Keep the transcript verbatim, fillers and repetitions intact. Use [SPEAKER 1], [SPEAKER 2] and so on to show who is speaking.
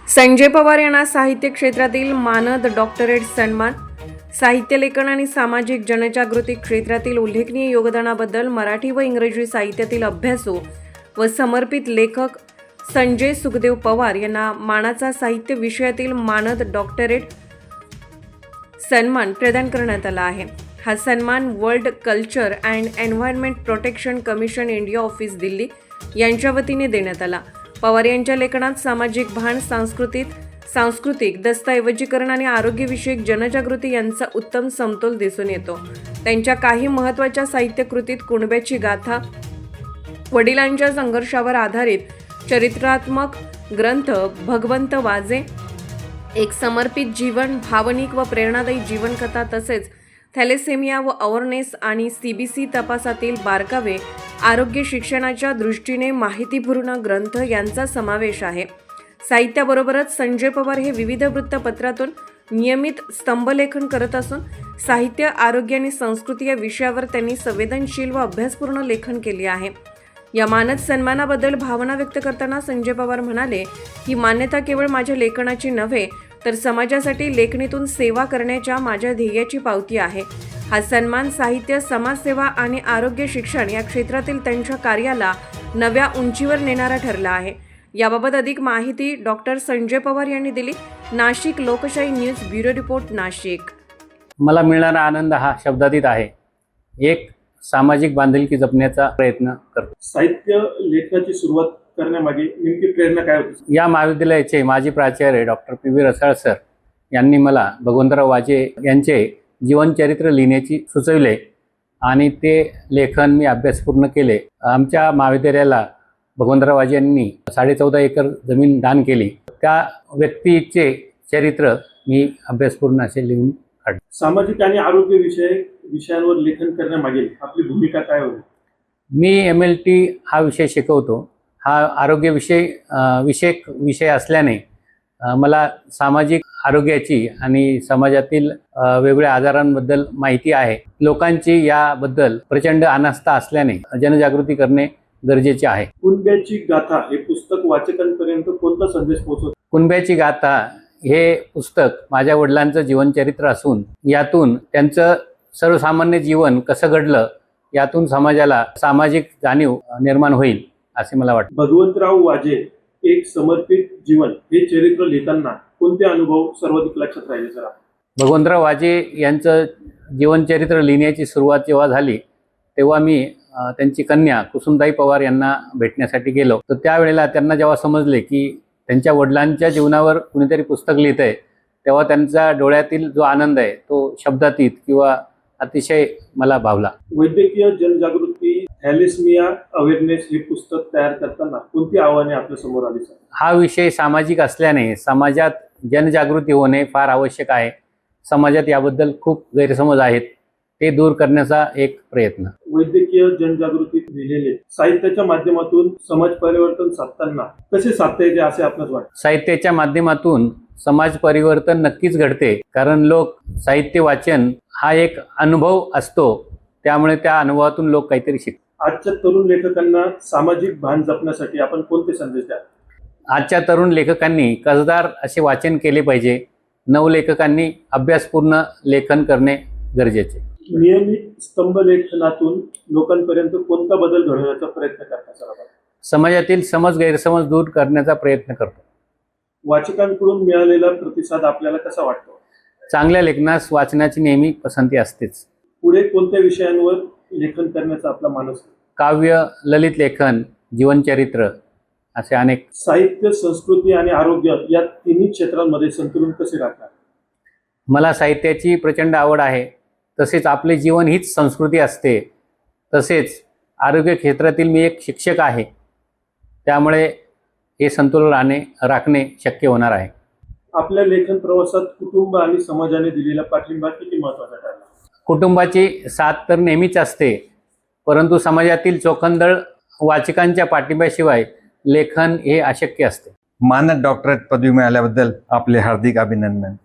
[SPEAKER 1] संजय पवार यांना साहित्य क्षेत्रातील मानद डॉक्टरेट सन्मान, साहित्य लेखन आणि सामाजिक जनजागृती क्षेत्रातील उल्लेखनीय योगदानाबद्दल मराठी व इंग्रजी साहित्यातील अभ्यासू व समर्पित लेखक संजय सुखदेव पवार यांना मानाचा साहित्य विषयातील मानद डॉक्टरेट सन्मान प्रदान करण्यात आला आहे। हा सन्मान world culture and environment protection commission India office Delhi यांच्या वतीने देण्यात आला। पवार यांच्या लेखनात सामाजिक भान, सांस्कृतिक सांस्कृतिक दस्तऐवजीकरण आणि आरोग्यविषयक जनजागृती यांचा उत्तम समतोल दिसून येतो। त्यांच्या काही महत्त्वाच्या साहित्य कृतीत कुणब्याची गाथा, वडिलांच्या संघर्षावर आधारित चरित्रात्मक ग्रंथ भगवंत वाजे, एक समर्पित जीवन, भावनिक व प्रेरणादायी जीवनकथा, तसेच थॅलेसेमिया व अवेअरनेस आणि सीबीसी तपासातील बारकावे, आरोग्य शिक्षणाच्या दृष्टीने माहितीपूर्ण ग्रंथ यांचा समावेश आहे। साहित्याबरोबरच संजय पवार हे विविध वृत्तपत्रातून नियमित स्तंभलेखन करत असून साहित्य, आरोग्य आणि संस्कृती या विषयावर त्यांनी संवेदनशील व अभ्यासपूर्ण लेखन केले आहे। या मानद सन्मानाबद्दल भावना व्यक्त करताना संजय पवार म्हणाले, ही मान्यता केवळ माझ्या लेखनाची नव्हे तर समाजासाठी लेखणीतून सेवा करण्याच्या माझ्या ध्येयाची पावती आहे। हा सन्मान साहित्य, समाजसेवा आणि आरोग्य शिक्षण या क्षेत्रातील त्यांच्या कार्याला नव्या उंचीवर नेणारा ठरला आहे। याबाबत अधिक माहिती डॉक्टर संजय पवार यांनी दिली। नाशिक लोकशाही न्यूज ब्युरो रिपोर्ट, नाशिक।
[SPEAKER 2] मला मिळणारा आनंद हा शब्दातीत आहे। एक सामाजिक बांधिलकी जपण्याचा प्रयत्न करतो।
[SPEAKER 3] साहित्य लेखनाची सुरुवात करण्यामागे नेमकी प्रेरणा काय होती?
[SPEAKER 2] या महाविद्यालयाचे माजी प्राचार्य doctor P V Rasal sir यांनी मला भगवंतराव वाजे यांचे जीवनचरित्र लिहिण्याची सुचविले आणि ते लेखन मी अभ्यासपूर्ण केले। आमच्या महाविद्यालयाला भगवंतराव वाजे यांनी साडे चौदा एकर जमीन दान केली। त्या व्यक्तीचे चरित्र मी अभ्यासपूर्ण असे लिहून काढले।
[SPEAKER 3] सामाजिक आणि आरोग्य विषय विषयांवर लेखन करण्यामागे आपली भूमिका काय होती?
[SPEAKER 2] मी एम एल टी हा विषय शिकवतो। हा आरोग्य विषय विषयक विषय असल्याने मला सामाजिक आरोग्याची आणि समाजातील वेगवेगळ्या आजारांबद्दल माहिती आहे। लोकांची याबद्दल प्रचंड अनास्था असल्याने जनजागृती करणे गरजेचे आहे।
[SPEAKER 3] कुणब्याची गाथा हे पुस्तक वाचकांपर्यंत कोणता संदेश पोहोचवते?
[SPEAKER 2] कुणब्याची गाथा हे पुस्तक माझ्या वडिलांचं जीवनचरित्र असून यातून त्यांचं सर्वसामान्य जीवन कसं घडलं यातून समाजाला सामाजिक जाणीव निर्माण होईल असे मला वाटतं।
[SPEAKER 3] भगवंतराव वाजे एक समर्पित जीवन हे चरित्र लिहिताना कोणते अनुभव सर्वाधिक लक्षात राहिले सर?
[SPEAKER 2] भगवंतराव वाजे यांचं जीवनचरित्र लिहिण्याची सुरुवात जेव्हा झाली तेव्हा मी त्यांची कन्या कुसुमताई पवार यांना भेटण्यासाठी गेलो। तर त्यावेळेला त्यांना जेव्हा समजले की त्यांच्या वडिलांच्या जीवनावर कुणीतरी पुस्तक लिहित आहे तेव्हा त्यांचा डोळ्यातील जो आनंद आहे तो शब्दातीत किंवा अतिशय मला भावला।
[SPEAKER 3] वैद्यकीय जनजागृती थॅलेसेमिया अवेअरनेस हे पुस्तक तयार करताना कोणती आव्हाने आपल्या समोर आली सर?
[SPEAKER 2] हा विषय सामाजिक असल्याने समाजात जनजागृती होणे फार आवश्यक आहे। समाजात याबद्दल खूप गैरसमज आहेत, ते दूर करण्याचा एक प्रयत्न।
[SPEAKER 3] वैद्यकीय जनजागृती लिहिलेले साहित्याच्या माध्यमातून समाज परिवर्तन साधताना कसे साधता येते असे आपल्याला वाटते?
[SPEAKER 2] साहित्याच्या माध्यमातून समाज परिवर्तन नक्कीच घडते, कारण लोक साहित्य वाचन हा एक अनुभव असतो, त्यामुळे त्या अनुभवातून लोक काहीतरी शिकतात।
[SPEAKER 3] आजच्या तरुण लेखकांना सामाजिक भान जपण्यासाठी आपण कोणते संदेश द्याल?
[SPEAKER 2] आजच्या तरुण लेखकांनी कसदार असे वाचन केले पाहिजे। नवलेखकांनी अभ्यासपूर्ण लेखन करणे गरजेचे।
[SPEAKER 3] नियमित स्तंभलेखनातून लोकांपर्यंत कोणता बदल घडवण्याचा प्रयत्न करता सर आपण?
[SPEAKER 2] समाजातील समज गैरसमज दूर करण्याचा प्रयत्न करतो।
[SPEAKER 3] वाचकांकडून मिळालेला प्रतिसाद आपल्याला कसा वाटतो?
[SPEAKER 2] चांगल्या लेखनास वाचनाची नेहमी पसंती असतेच।
[SPEAKER 3] पुढे कोणत्या विषयांवर लेखन करण्याचा आपला मानस?
[SPEAKER 2] काव्य, ललित लेखन, जीवनचरित्र असे अनेक।
[SPEAKER 3] साहित्य, संस्कृती आणि आरोग्य या तिन्ही क्षेत्रांमध्ये संतुलन कसे राखणार?
[SPEAKER 2] मला साहित्याची प्रचंड आवड आहे, तसेच आपले जीवन हीच संस्कृती असते। तसेच आरोग्य क्षेत्रातील मी एक शिक्षक आहे, त्यामुळे हे संतुलन राहणे राखणे शक्य होणार आहे।
[SPEAKER 3] आपल्या लेखन प्रवासात कुटुंब आणि समाजाने दिलेला पाठिंबा किती महत्त्वाचा ठरला?
[SPEAKER 2] कुटुंबाची साथ तर नेहमीच असते, परंतु समाजातील चोखंदळ वाचकांच्या पाठिंब्याशिवाय लेखन हे अशक्य असते।
[SPEAKER 4] मानद डॉक्टरेट पदवी मिळाल्याबद्दल आपले हार्दिक अभिनंदन।